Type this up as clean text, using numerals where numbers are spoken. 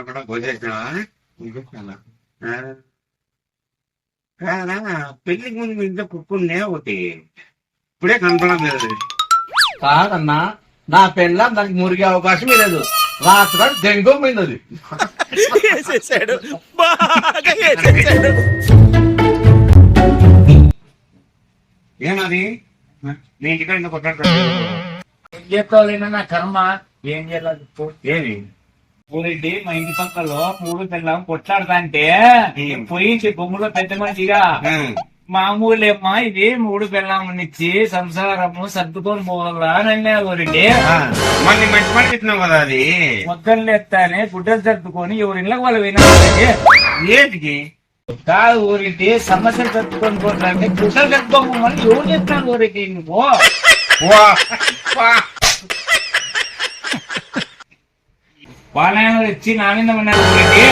కూడా పోసేసినావా? కాదా పెళ్లికి ముందు మీ ఇంట్లో కుక్కుండే ఒకటి ఇప్పుడే కనపడం లేదు. కాదన్నా నా పెళ్ళ దానికి మురిగే అవకాశం లేదు. రాత్రి దెంగం పోయింది. ఏమది మీ ఇంటికాడ ఇంత కొట్టాడు ఏం చేస్తావు నా కర్మ. ఏం చేయాలి ఏమి ఊరెడ్డి మా ఇంటి పక్కలో మూడు పిల్లం కొట్లాడతా అంటే పోయి బొమ్మలో పెద్ద మనిషిగా మామూలేమ్మా ఇది మూడు పిల్లమ్మనిచ్చి సంసారము సర్దుకొని పోవాలా అని అన్నారు ఊరెడ్డి. మళ్ళీ మంచి పని ఇస్తున్నావు కదా అది మొక్కలు ఎత్తానే గుడ్డలు సర్దుకొని ఎవరిళ్ళకి వాళ్ళు వినాలి. ఏంటికి కాదు ఊరెడ్డి సమస్యలు సర్దుకొని పోతాంటే గుడ్డలు సర్దుకోమని ఎవరు చెప్తాను ఊరెడ్డి నువ్వు. వాళ్ళ ఇచ్చి నా మీద ఉన్నారు ఊరెడ్డి.